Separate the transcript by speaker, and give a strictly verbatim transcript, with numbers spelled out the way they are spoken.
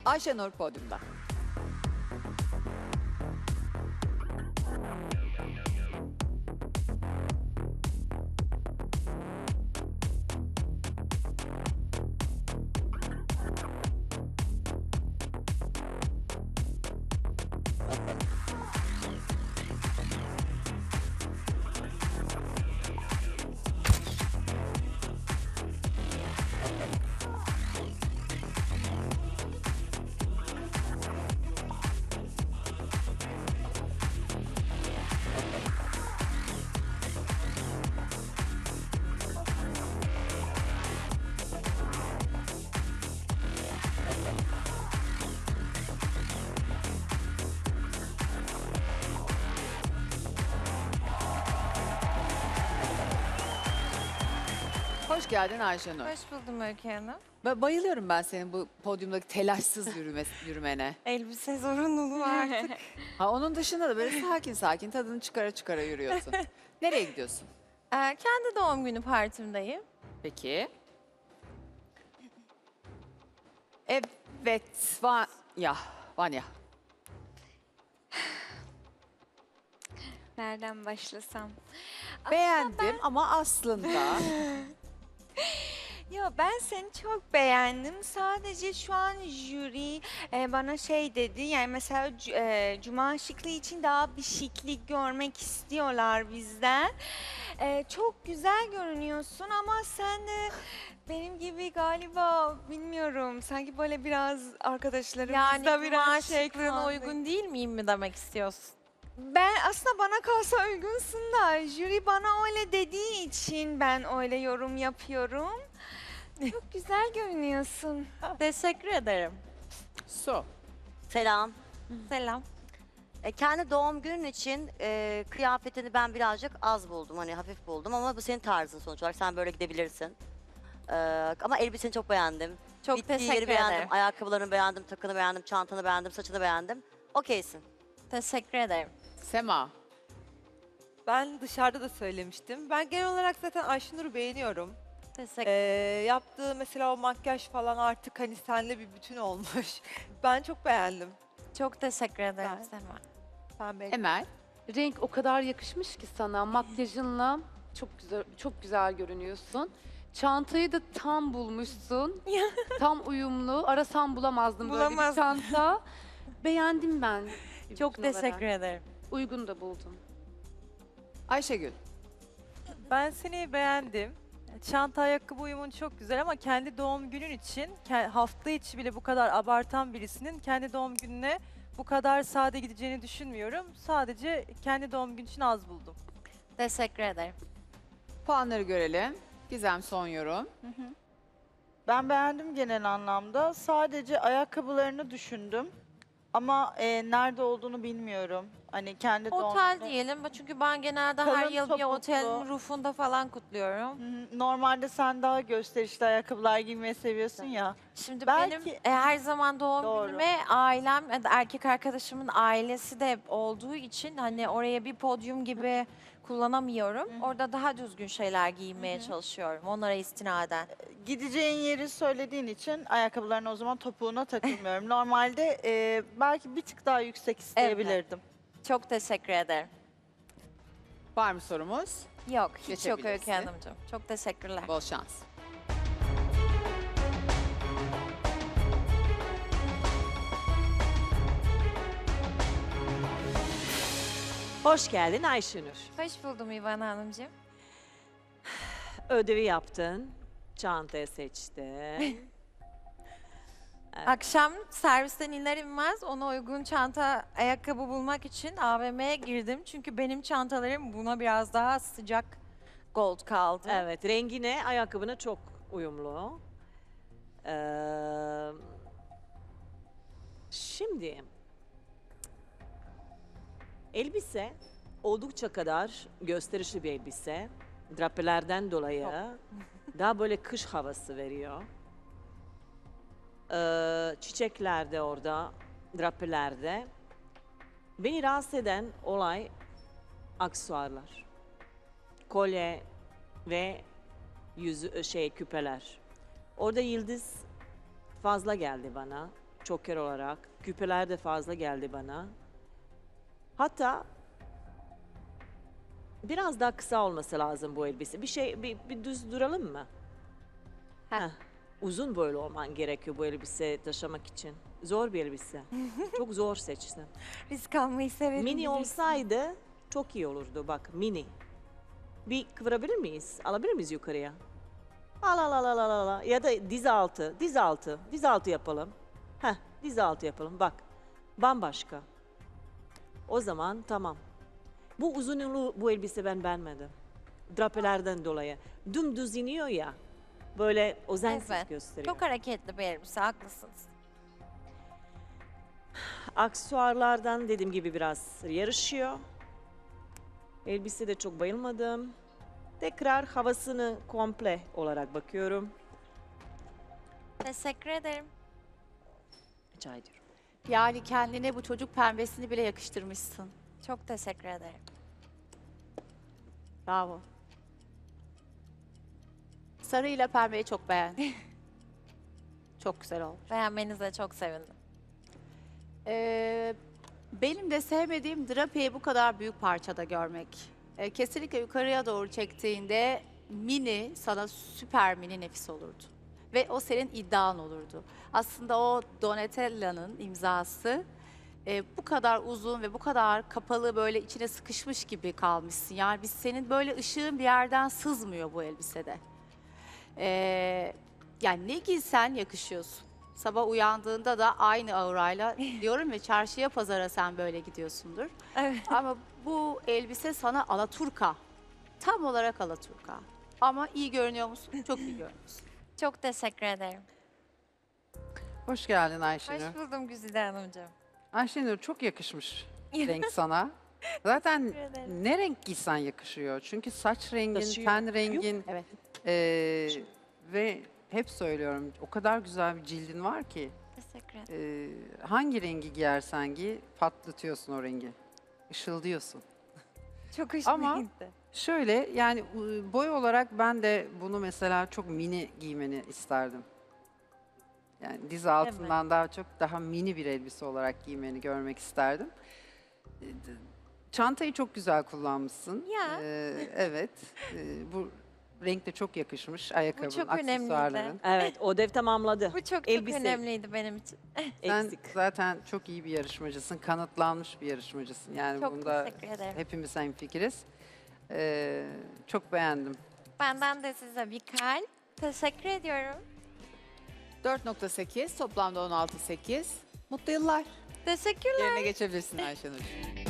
Speaker 1: Ayşenur podyumda. Hoş geldin Ayşenur.
Speaker 2: Hoş buldum Öykü Hanım.
Speaker 1: Ba- bayılıyorum ben senin bu podyumdaki telaşsız yürüme, yürümene.
Speaker 2: Elbise zorunluluğu artık.
Speaker 1: Ha, onun dışında da böyle sakin sakin tadını çıkara çıkara yürüyorsun. Nereye gidiyorsun?
Speaker 2: Ee, kendi doğum günü partimdeyim.
Speaker 1: Peki. Evet, Vanya. Vanya.
Speaker 3: Nereden başlasam?
Speaker 1: Beğendim ama aslında
Speaker 3: Yo, ben seni çok beğendim. Sadece şu an jüri e, bana şey dedi. Yani mesela c- e, Cuma şıklığı için daha bir şıklık görmek istiyorlar bizden. E, çok güzel görünüyorsun ama sen de benim gibi galiba bilmiyorum. Sanki böyle biraz arkadaşlarımızda
Speaker 2: Yani
Speaker 3: biraz
Speaker 2: Cuma
Speaker 3: şey
Speaker 2: şıklığına
Speaker 3: kaldı.
Speaker 2: uygun değil miyim mi demek istiyorsun?
Speaker 3: Ben aslında bana kalsa uygunsun da jüri bana öyle dediği için ben öyle yorum yapıyorum. Çok güzel görünüyorsun.
Speaker 2: Teşekkür ederim.
Speaker 1: su.
Speaker 4: Selam.
Speaker 2: Selam.
Speaker 4: E, kendi doğum günün için e, kıyafetini ben birazcık az buldum. Hani hafif buldum ama bu senin tarzın sonuç olarak. Sen böyle gidebilirsin. E, ama elbiseni çok beğendim.
Speaker 2: Çok
Speaker 4: Bittiği
Speaker 2: teşekkür
Speaker 4: yeri beğendim.
Speaker 2: ederim.
Speaker 4: Ayakkabılarını beğendim, takını beğendim, çantanı beğendim, saçını beğendim. Okeysin.
Speaker 2: Teşekkür ederim.
Speaker 1: Sema.
Speaker 5: Ben dışarıda da söylemiştim. Ben genel olarak zaten Ayşenur'u beğeniyorum.
Speaker 2: Teşekkür
Speaker 5: Ee, yaptığı mesela o makyaj falan artık hani senle bir bütün olmuş. Ben çok beğendim.
Speaker 2: Çok teşekkür ederim
Speaker 5: Ben-
Speaker 2: Sema.
Speaker 5: Ben beğendim.
Speaker 1: Emel.
Speaker 6: Renk o kadar yakışmış ki sana. Makyajınla çok güzel çok güzel görünüyorsun. Çantayı da tam bulmuşsun. Tam uyumlu. Arasam bulamazdım böyle bir
Speaker 2: Bulamazdım.
Speaker 6: çanta. Beğendim ben.
Speaker 2: Çok
Speaker 6: bütün
Speaker 2: teşekkür
Speaker 6: olarak.
Speaker 2: ederim.
Speaker 6: Uygun da buldum.
Speaker 1: Ayşegül.
Speaker 5: Ben seni beğendim. Çanta ayakkabı uyumun çok güzel ama kendi doğum günün için, ke- hafta içi bile bu kadar abartan birisinin kendi doğum gününe bu kadar sade gideceğini düşünmüyorum. Sadece kendi doğum günü için az buldum.
Speaker 2: Teşekkür ederim.
Speaker 1: Puanları görelim. Gizem son yorum.
Speaker 7: Ben beğendim genel anlamda. Sadece ayakkabılarını düşündüm. Ama e, nerede olduğunu bilmiyorum. Hani kendi doğum
Speaker 2: Otel
Speaker 7: günü-
Speaker 2: diyelim çünkü ben genelde her
Speaker 7: Kalın
Speaker 2: yıl bir
Speaker 7: topuklu.
Speaker 2: otelin rufunda falan kutluyorum.
Speaker 7: Hı hı. Normalde sen daha gösterişli ayakkabılar giymeyi seviyorsun ya.
Speaker 2: Şimdi
Speaker 7: Belki-
Speaker 2: benim e, her zaman doğum
Speaker 7: Doğru.
Speaker 2: günüme ailem, e, erkek arkadaşımın ailesi de olduğu için hani oraya bir podyum gibi kullanamıyorum. Orada daha düzgün şeyler giymeye çalışıyorum onlara istinaden.
Speaker 7: Gideceğin yeri söylediğin için ayakkabılarını o zaman topuğuna takılmıyorum. Normalde e, belki bir tık daha yüksek isteyebilirdim.
Speaker 2: Çok teşekkür ederim.
Speaker 1: Var mı sorumuz?
Speaker 2: Yok, hiç yok
Speaker 1: Geçebilirsin.
Speaker 2: Öykü Hanımcığım. Çok teşekkürler.
Speaker 1: Bol şans.
Speaker 8: Hoş geldin Ayşenur.
Speaker 2: Hoş buldum İvan Hanımcığım.
Speaker 8: Ödevi yaptın, çantayı seçtin.
Speaker 2: Akşam servisten iner inmez ona uygun çanta, ayakkabı bulmak için A V M'ye girdim. Çünkü benim çantalarım buna biraz daha sıcak gold kaldı.
Speaker 8: Evet, rengine, ayakkabına çok uyumlu. Ee, şimdi, elbise oldukça kadar gösterişli bir elbise. Drapelerden dolayı daha böyle kış havası veriyor. Ee, çiçekler de orada, drapelerde. Beni rahatsız eden olay aksesuarlar. Kolye ve yüzü şey küpeler. Orada yıldız fazla geldi bana. çoker olarak. Küpeler de fazla geldi bana. Hatta biraz daha kısa olması lazım bu elbise. Bir şey, bir, bir düz duralım mı? Heh. Uzun boylu olman gerekiyor bu elbise taşımak için. Zor bir elbise. Çok zor seçtin.
Speaker 2: Risk almayı severim.
Speaker 8: Mini
Speaker 2: bilirsin.
Speaker 8: olsaydı çok iyi olurdu. Bak mini. Bir kıvırabilir miyiz? Alabilir miyiz yukarıya? Al al al al al al. Ya da diz altı, diz altı, diz altı yapalım. Heh, diz altı yapalım. Bak, bambaşka. O zaman tamam. Bu uzunluğu bu elbise ben beğenmedim. Drapelerden dolayı. Dümdüz iniyor ya. Böyle özensiz
Speaker 2: Evet,
Speaker 8: gösteriyor.
Speaker 2: Çok hareketli bir elbise, haklısınız.
Speaker 8: Aksesuarlardan dediğim gibi biraz yarışıyor. Elbise de çok bayılmadım. Tekrar havasını komple olarak bakıyorum.
Speaker 2: Teşekkür ederim.
Speaker 8: Rica ediyorum.
Speaker 9: Yani kendine bu çocuk pembesini bile yakıştırmışsın.
Speaker 2: Çok teşekkür ederim.
Speaker 9: Bravo. Sarıyla pembeyi çok beğendim. Çok güzel olmuş.
Speaker 2: Beğenmenize çok sevindim.
Speaker 9: Ee, benim de sevmediğim drapeyi bu kadar büyük parçada görmek. Ee, kesinlikle yukarıya doğru çektiğinde mini sana süper mini nefis olurdu. Ve o senin iddian olurdu. Aslında o Donatella'nın imzası e, bu kadar uzun ve bu kadar kapalı böyle içine sıkışmış gibi kalmışsın. Yani biz senin böyle ışığın bir yerden sızmıyor bu elbisede. Ee, yani ne giysen yakışıyorsun. Sabah uyandığında da aynı aurayla diyorum ve çarşıya pazara sen böyle gidiyorsundur.
Speaker 2: Evet.
Speaker 9: Ama bu elbise sana alaturka. Tam olarak alaturka. Ama iyi görünüyor musun? Çok iyi görünüyorsun.
Speaker 2: Çok teşekkür ederim.
Speaker 1: Hoş geldin Ayşenur.
Speaker 2: Hoş buldum Güzide Hanımcığım.
Speaker 1: Ayşenur çok yakışmış renk sana. Zaten
Speaker 2: Teşekkür ederim.
Speaker 1: ne renk giysen yakışıyor. Çünkü saç rengin,
Speaker 8: Taşıyor.
Speaker 1: ten rengin
Speaker 9: Evet.
Speaker 1: eee, ve hep söylüyorum o kadar güzel bir cildin var ki
Speaker 2: Teşekkür ederim.
Speaker 1: eee, hangi rengi giyersen giy patlatıyorsun o rengi. Işıldıyorsun.
Speaker 2: Çok hoşuma
Speaker 1: Ama-
Speaker 2: gitti.
Speaker 1: Şöyle yani ıı, boy olarak ben de bunu mesela çok mini giymeni isterdim. Yani diz altından daha çok daha mini bir elbise olarak giymeni görmek isterdim. Ee, d- Çantayı çok güzel kullanmışsın.
Speaker 2: Ya.
Speaker 1: Ee, evet. Ee, bu renk de çok yakışmış. Ayakkabın,
Speaker 2: çok önemliydi.
Speaker 1: aksesuarların.
Speaker 8: Evet, o dev tamamladı.
Speaker 2: Bu çok
Speaker 8: Elbise.
Speaker 2: çok önemliydi benim için.
Speaker 1: Sen
Speaker 8: Eksik.
Speaker 1: zaten çok iyi bir yarışmacısın. Kanıtlanmış bir yarışmacısın. Yani
Speaker 2: Çok
Speaker 1: bunda
Speaker 2: teşekkür ederim.
Speaker 1: hepimiz hemfikiriz. Ee, çok beğendim.
Speaker 2: Benden de size bir kalp. Teşekkür ediyorum.
Speaker 1: dört nokta sekiz toplamda on altı sekiz. Mutlu yıllar.
Speaker 2: Teşekkürler.
Speaker 1: Yerine geçebilirsin Ayşenur.